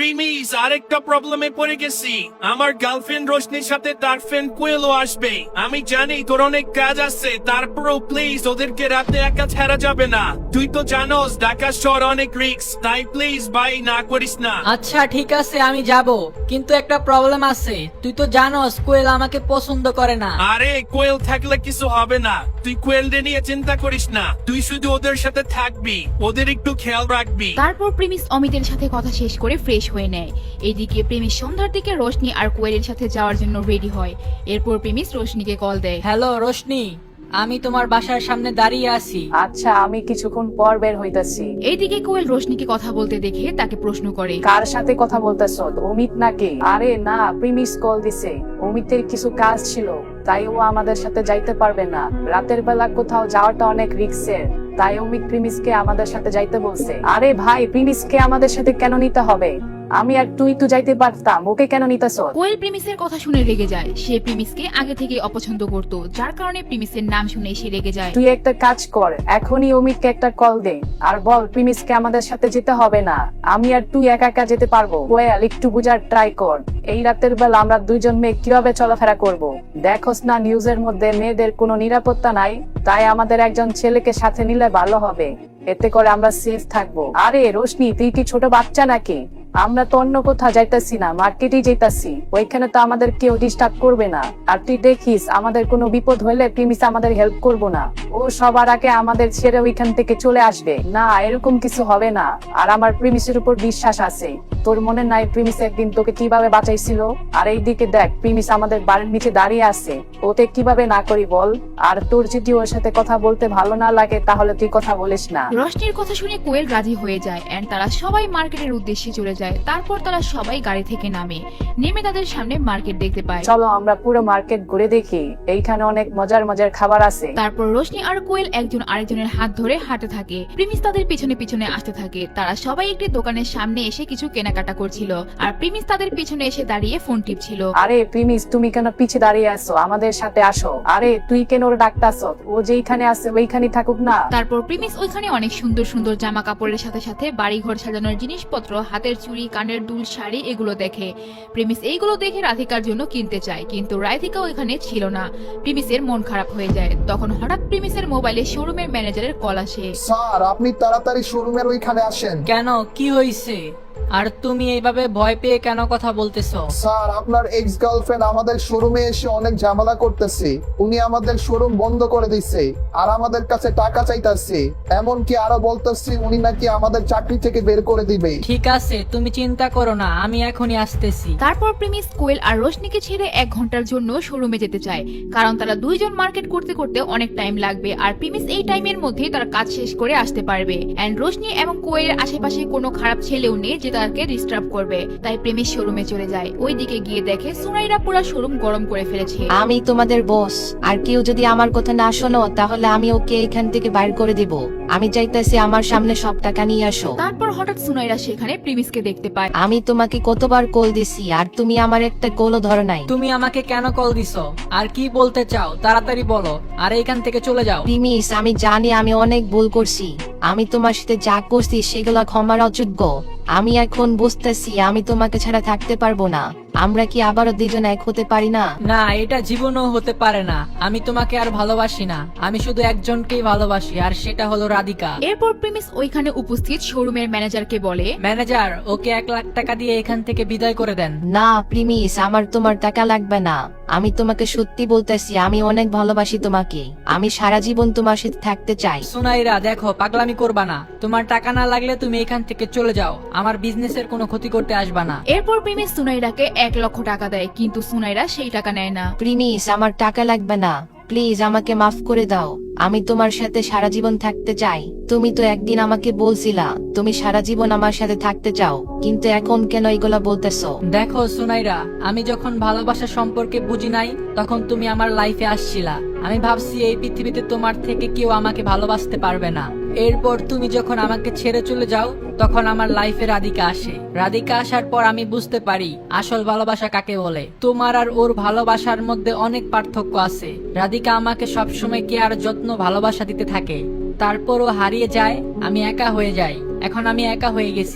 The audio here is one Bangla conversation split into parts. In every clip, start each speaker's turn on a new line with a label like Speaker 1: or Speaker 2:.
Speaker 1: প্রিমিস, আরেকটা প্রবলেমে পড়ে গেছি। আমার গার্লফ্রেন্ড রোশনির সাথে তার ফ্রেন্ড কোয়েলও আসবে। আমি জানি তোর অনেক কাজ আছে, তারপরেও প্লিজ ওদেরকে রাতে একা ছাড়া যাবে না। তুই তো জানোস ঢাকা শহর অনেক রিস্ক, তাই প্লিজ ভাই না করিস না।
Speaker 2: আচ্ছা ঠিক আছে, আমি যাব, কিন্তু একটা প্রবলেম আছে। তুই তো জানোস কোয়েল আমাকে পছন্দ করে না।
Speaker 1: আরে কোয়েল থাকলে কিছু হবে না, তুই কোয়েলদের নিয়ে চিন্তা করিস না। তুই শুধু ওদের সাথে থাকবি, ওদের একটু খেয়াল রাখবি।
Speaker 3: তারপর প্রেমিস অমিতের সাথে কথা শেষ করে ফ্রেশ হয়ে নেয়। এদিকে প্রেমিস সন্ধ্যার দিকে রোশনি আর কোয়েলের সাথে যাওয়ার জন্য রেডি হয়। এরপর প্রেমিস রোশনিকে কল দেয়।
Speaker 2: হ্যালো রোশনি, আমি তোমার বাসার সামনে দাঁড়িয়ে আছি।
Speaker 4: আচ্ছা, আমি কিছুক্ষণ পর বের হইতাছি।
Speaker 3: এইদিকে কোয়েল রোশনিকে কথা বলতে দেখে তাকে প্রশ্ন করে,
Speaker 4: কার সাথে কথা বলতেছ? অমিত নাকি? আরে না, প্রিমিস কল দিছে। অমিতের কিছু কাজ ছিল, তাই ও আমাদের সাথে যাইতে পারবে না। রাতের বেলা কোথাও যাওয়াটা অনেক রিস্কের, তাই অমিত প্রিমিসকে আমাদের সাথে যাইতে বলছে। আরে ভাই, প্রিমিসকে আমাদের সাথে কেন নিতে হবে? আমি আর তুই তো যাইতে পারতাম, ওকে কেন নিতেছ?
Speaker 3: কোয়েল প্রেমিসের কথা শুনে রেগে যায়। সে প্রেমিসকে আগে থেকে অপছন্দ করত, যার কারণে প্রেমিসের নাম শুনে সে রেগে যায়।
Speaker 4: তুই একটা কাজ কর, এখনই অমিতকে একটা কল দে আর বল প্রিমিসকে আমাদের সাথে যেতে হবে না। আমি আর তুই একা একা যেতে পারবো। কোয়েল, একটু বুঝার ট্রাই কর। এই রাতের বেলা আমরা দুইজন মেয়ে কিভাবে চলাফেরা করব? দেখোস না নিউজের মধ্যে মেয়েদের কোনো নিরাপত্তা নাই, তাই আমাদের একজন ছেলেকে সাথে নিলে ভালো হবে। এতে করে আমরা সেফ থাকবো। আরে রোশনি, তুই কি ছোট বাচ্চা নাকি? আমরা তো অন্য কোথাও যাইতাছি না, মার্কেটে যাইতাছি। ওইখানে তো আমাদের কেউ ডিস্টার্ব করবে না। আর তুই দেখিস, আমাদের কোনো বিপদ হইলে প্রিমিস আমাদের হেল্প করবো না। ও সবার আগে আমাদের ছেড়ে ওইখান থেকে চলে আসবে। না, এরকম কিছু হবে না। আর আমার প্রিমিসের উপর বিশ্বাস আছে। তোর মনে নাই প্রিমিস একদিন তোকে কিভাবে বাঁচাইছিল? আর এইদিকে দেখ, প্রিমিস আমাদের বাড়ির নিচে দাঁড়িয়ে আছে। ওতে কিভাবে না করি বল? আর তোর যদি ওর সাথে কথা বলতে ভালো না লাগে, তাহলে তুই কথা বলিস না।
Speaker 3: রোশনির কথা শুনে কোয়েল রাজি হয়ে যায় এন্ড তারা সবাই মার্কেটের উদ্দেশ্যে চলে যায়। তারপর তারা সবাই গাড়ি থেকে নেমে তাদের সামনে মার্কেট দেখতে পায়।
Speaker 4: চলো আমরা পুরো মার্কেট ঘুরে দেখি, এইখানে অনেক মজার মজার খাবার আছে।
Speaker 3: তারপর রোশনি আর কোয়েল একজন আরেকজনের হাত ধরে হাঁটতে থাকে। প্রিমিস তাদের পিছনে পিছনে আসতে থাকে। তারা সবাই একটি দোকানের সামনে এসে কিছু কেনাকাটা করছিল, আর প্রিমিস তাদের পিছনে এসে দাঁড়িয়ে ফোন টিপছিল।
Speaker 4: আরে প্রিমিস, তুমি কেন পিছে দাঁড়িয়ে আছো? আমাদের সাথে আসো। আরে তুই কেন ওর ডাকতাছ? ও যেইখানে আছে ওইখানেই থাকুক না।
Speaker 3: তারপর প্রিমিস ওইখানে অনেক সুন্দর সুন্দর জামা কাপড়ের সাথে সাথে বাড়ি ঘর সাজানোর জিনিসপত্র, হাতের চুড়ি, কানের দুল, শাড়ি এগুলো দেখে। প্রিমিস এইগুলো দেখে রাধিকার জন্য কিনতে চায়, কিন্তু রাধিকা ওইখানে ছিল না। প্রিমিসের মন খারাপ হয়ে যায়। তখন হঠাৎ প্রিমিসের মোবাইলে শোরুমের ম্যানেজারের কল আসে।
Speaker 5: স্যার, আপনি তাড়াতাড়ি শোরুমের ওইখানে আসেন।
Speaker 2: কেন, কি হয়েছে? আর তুমি এইভাবে ভয় পেয়ে কেন কথা বলতেছো?
Speaker 5: স্যার, আপনার এক্স গার্লফ্রেন্ড আমাদের শোরুমে এসে অনেক ঝামেলা করতেছে। উনি আমাদের শোরুম বন্ধ করে দিচ্ছে আর আমাদের কাছে টাকা চাইতেছে। এমনকি আরো বলতেছে উনি নাকি আমাদের চাকরি থেকে বের করে দিবে।
Speaker 2: ঠিক আছে, তুমি চিন্তা করো না, আমি এখনই আসতেছি।
Speaker 3: তারপর প্রিমিস কোয়েল আর রোশনিকে ছেড়ে 1 ঘন্টার জন্য শোরুমে যেতে চায়, কারণ তারা দুইজন মার্কেট করতে করতে অনেক টাইম লাগবে। আর প্রিমিস এই টাইমের মধ্যে তার কাজ শেষ করে আসতে পারবে। এন্ড রোশনি এবং কোয়েলের আশেপাশে কোনো খারাপ ছেলেও নেই যে তাকে ডিস্টার্ব করবে। তাই প্রেমিস শোরুমে চলে যায়। ওইদিকে গিয়ে দেখে সুনাইরা পুরো শোরুম গরম করে ফেলেছে।
Speaker 6: আমি তোমাদের বস, আর কেউ যদি আমার কথা না শোনো তাহলে আমি ওকে এখান থেকে বাইর করে দিব। আমি চাইতেছি আমার সামনে সব টাকা নিয়ে আসো।
Speaker 3: তারপর হঠাৎ সুনাইরা সেখানে প্রেমিসকে দেখতে পায়।
Speaker 6: আমি তোমাকে কতবার কল দিছি আর তুমি আমার একটা কলও ধরো নাই।
Speaker 2: তুমি আমাকে কেন কল দিছো আর কি বলতে চাও তাড়াতাড়ি বলো, আর এখান থেকে চলে যাও।
Speaker 6: প্রিমিস, আমি জানি আমি অনেক ভুল করছি। আমি তোমার সাথে যা করছি সেগুলো ক্ষমার অযোগ্য। আমি এখন বুঝতেছি আমি তোমাকে ছাড়া থাকতে পারবো না। আমরা কি আবারও দুজন এক হতে পারি না?
Speaker 2: না, এটা জীবনও হতে পারে না। আমি তোমাকে আর ভালোবাসি না। আমি শুধু একজনকেই ভালোবাসি, আর সেটা হলো রাধিকা।
Speaker 3: এরপর প্রেমিস ওইখানে উপস্থিত শোরুমের ম্যানেজারকে বলে,
Speaker 2: ম্যানেজার, ওকে 1 লাখ টাকা দিয়ে এখান থেকে বিদায় করে দেন।
Speaker 6: না প্রিমিস, আমার তোমার টাকা লাগবে না। আমি তোমাকে সত্যি বলতেছি, আমি অনেক ভালোবাসি তোমাকে। আমি সারা জীবন তোমার সাথে থাকতে চাই।
Speaker 2: সুনাইরা, দেখো, পাগলামি করবা না। তোমার টাকা না লাগলে তুমি এখান থেকে চলে যাও। আমার বিজনেসের কোনো ক্ষতি করতে আসবা না।
Speaker 3: এরপর প্রেমিস সুনাইরাকে 1 লক্ষ টাকা দেয়, কিন্তু সুনাইরা সেই টাকা নেয় না।
Speaker 6: প্রিমিস, আমার টাকা লাগবে না। প্লিজ আমাকে মাফ করে দাও। আমি তোমার সাথে সারা জীবন থাকতে চাই। তুমি তো একদিন আমাকে বলছিলা তুমি সারা জীবন আমার সাথে থাকতে চাও, কিন্তু এখন কেন এগুলা বলতেছো?
Speaker 2: দেখো সুনাইরা, আমি যখন ভালোবাসা সম্পর্কে বুঝি নাই তখন তুমি আমার লাইফে আসছিলা। আমি ভাবছি এই পৃথিবীতে তোমার থেকে কেউ আমাকে ভালোবাসতে পারবে না। এরপর তুমি যখন আমাকে ছেড়ে চলে যাও তখন আমার লাইফে রাধিকা আসে। রাধিকা আসার পর আমি বুঝতে পারি আসল ভালোবাসা কাকে বলে। তোমার আর ওর ভালোবাসার মধ্যে অনেক পার্থক্য আছে। রাধিকা আমাকে সবসময় কেয়ার, যত্ন, ভালোবাসা দিতে থাকে। তারপরও হারিয়ে যায়, আমি একা হয়ে যাই। এখন আমি একা হয়ে গেছি।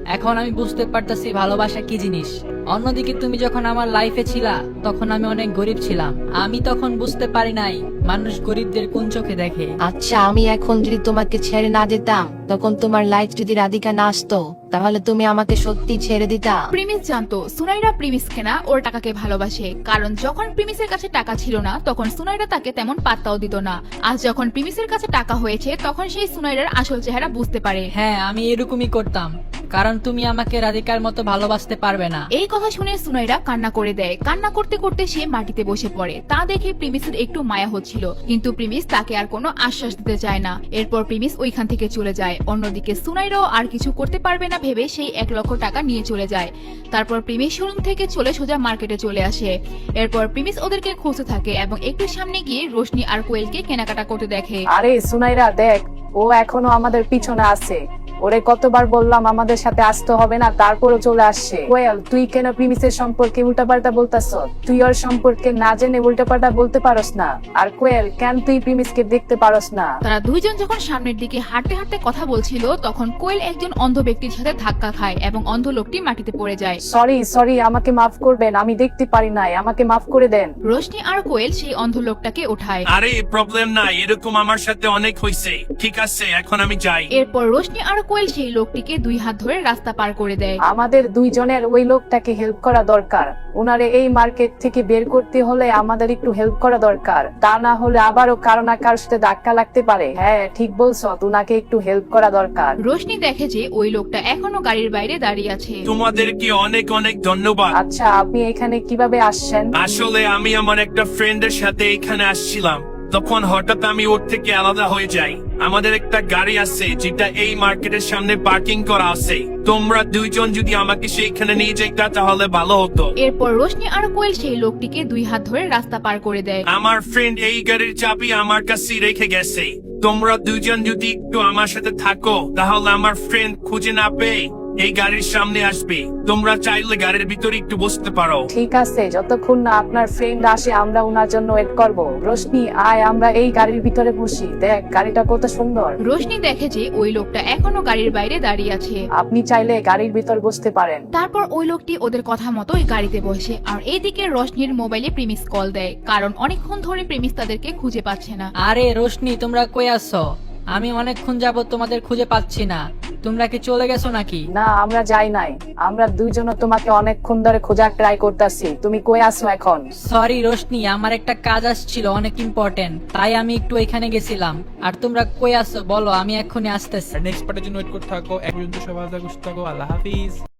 Speaker 2: এখন আমি বুঝতে পারতাছি ভালোবাসা কি জিনিস। অন্যদিকে তুমি যখন আমার লাইফে ছিলা তখন আমি অনেক গরিব ছিলাম। আমি তখন বুঝতে পারি নাই মানুষ গরিবদের কোন চোখে দেখে।
Speaker 6: আচ্ছা, আমি এখন যদি তোমাকে ছেড়ে না দিতাম, তখন তোমার লাইফ যদি রাধিকা না আসতো, তাহলে তুমি আমাকে সত্যি ছেড়ে দিতা?
Speaker 3: প্রিমিস জানতো সুনাইরা প্রিমিসকে না ওর টাকাকে ভালোবাসে, কারণ যখন প্রিমিসের কাছে টাকা ছিল না তখন সুনাইরা তাকে তেমন পাত্তাও দিত না। আজ যখন প্রিমিসের কাছে টাকা হয়েছে তখন সেই সুনাইরার আসল চেহারা বুঝতে পারে।
Speaker 2: হ্যাঁ, আমি এরকমই করতাম, কারণ তুমি আমাকে রাধিকার মতো ভালোবাসতে পারবে না।
Speaker 3: এই কথা শুনে সুনাইরা কান্না করে দেয়। কান্না করতে করতে সে মাটিতে বসে পড়ে। তা দেখে প্রিমিসের একটু মায়া হচ্ছিল, কিন্তু প্রিমিস তাকে আর কোনো আশ্বাস দিতে চায় না। এরপর প্রিমিস ওইখান থেকে চলে যায়। অন্যদিকে সুনাইরাও আর কিছু করতে পারবে না ভেবে সেই 1 লক্ষ টাকা নিয়ে চলে যায়। তারপর প্রিমিস শোরুম থেকে চলে সোজা মার্কেটে চলে আসে। এরপর প্রিমিস ওদেরকে খুঁজতে থাকে এবং একটু সামনে গিয়ে রোশনি আর কোয়েলকে কেনাকাটা করতে দেখে।
Speaker 4: আরে সুনাইরা দেখ, ও এখনো আমাদের পিছনে আছে। ওরে কতবার বললাম আমাদের সাথে আসতে হবে না, তারপরও চলে আসছে। কোয়েল, তুই কেন প্রিমিসের সম্পর্কে উল্টাপাল্টা বলতাছ? তুই ওর সম্পর্কে না জেনে উল্টাপাল্টা বলতে পারস না। আর কোয়েল, কেন তুই প্রিমিসকে দেখতে পারস না?
Speaker 3: তারা দুইজন যখন সামনের দিকে হাঁটতে হাঁটতে কথা বলছিল তখন কোয়েল একজন অন্ধ ব্যক্তির সাথে ধাক্কা খায় এবং অন্ধ লোকটি মাটিতে পড়ে যায়।
Speaker 4: সরি, আমাকে মাফ করবেন, আমি দেখতে পারি নাই, আমাকে মাফ করে দেন।
Speaker 3: রোশনি আর কোয়েল সেই অন্ধ লোকটাকে ওঠায়।
Speaker 1: আরে প্রবলেম নাই, এরকম আমার সাথে অনেক হয়েছে। ঠিক আছে, এখন আমি যাই।
Speaker 3: এরপর রোশনি আর কোয়েল সেই লোকটিকে 2 হাত ধরে রাস্তা পার করে দেয়।
Speaker 4: আমাদের দুইজনের ওই লোকটাকে হেল্প করা দরকার। ওনারে এই মার্কেট থেকে বের করতে হলে আমাদের একটু হেল্প করা দরকার, তা না হলে আবারও কারো না কারোর সাথে ধাক্কা লাগতে পারে। হ্যাঁ ঠিক বলছো, ওনাকে একটু হেল্প করা দরকার।
Speaker 3: রোশনি দেখে যে ওই লোকটা এখনো গাড়ির বাইরে দাঁড়িয়ে আছে।
Speaker 1: তোমাদেরকে অনেক অনেক ধন্যবাদ।
Speaker 4: আচ্ছা, আপনি এখানে কিভাবে আসছেন?
Speaker 1: আসলে আমি আমার একটা ফ্রেন্ডের সাথে এখানে আসছিলাম, তখন হঠাৎ আমি ওর থেকে আলাদা হয়ে যাই। আমাদের একটা গাড়ি আছে যেটা এই মার্কেটের সামনে পার্কিং করা আছে। তোমরা দুইজন যদি আমাকে সেইখানে নিয়ে যাইতা তাহলে ভালো হতো।
Speaker 3: এরপর রোশনি আর কোয়েল সেই লোকটিকে 2 হাত ধরে রাস্তা পার করে দেয়।
Speaker 1: আমার ফ্রেন্ড এই গাড়ির চাবি আমার কাছে রেখে গেছে। তোমরা দুইজন যদি একটু আমার সাথে থাকো তাহলে আমার ফ্রেন্ড খুঁজে না পেয়ে এই গাড়ির সামনে আসবে। তোমরা চাইলে গাড়ির ভিতরে একটু বসতে পারো।
Speaker 4: ঠিক আছে, যতক্ষণ না আপনার ফ্রেন্ড আসে আমরা ওনার জন্য ওয়েট করব। রোশনি আয়, আমরা এই গাড়ির ভিতরে বসি। দেখ গাড়িটা কত সুন্দর।
Speaker 3: রোশনি দেখে যে ওই লোকটা এখনো গাড়ির বাইরে দাঁড়িয়ে আছে।
Speaker 4: আপনি চাইলে গাড়ির ভিতর বসতে পারেন।
Speaker 3: তারপর ওই লোকটি ওদের কথা মতো ওই গাড়িতে বসে। আর এইদিকে রোশনির মোবাইলে প্রিমিস কল দেয়, কারণ অনেকক্ষণ ধরে প্রিমিস তাদেরকে খুঁজে পাচ্ছে না।
Speaker 2: আরে রোশনি, তোমরা কই আছো? আমি অনেকক্ষণ যাবত তোমাদের খুঁজে পাচ্ছি না। তোমরা কি চলে গেছো নাকি?
Speaker 4: না, আমরা যাই নাই। আমরা দুইজন তোমাকে অনেকক্ষণ ধরে খোঁজার ট্রাই করতেছি। তুমি কই আছো এখন?
Speaker 2: সরি রোশনি, আমার একটা কাজ আসছিল অনেক ইম্পর্টেন্ট, তাই আমি একটু এখানে গেছিলাম। আর তোমরা কই আছো বলো, আমি এক্ষুনি আসতেছি।
Speaker 7: নেক্সট পার্টের জন্য ওয়েট করতে থাকো। এক পর্যন্ত সবাই ভালো থাকো, সুস্থ থাকো। আল্লাহ হাফিজ।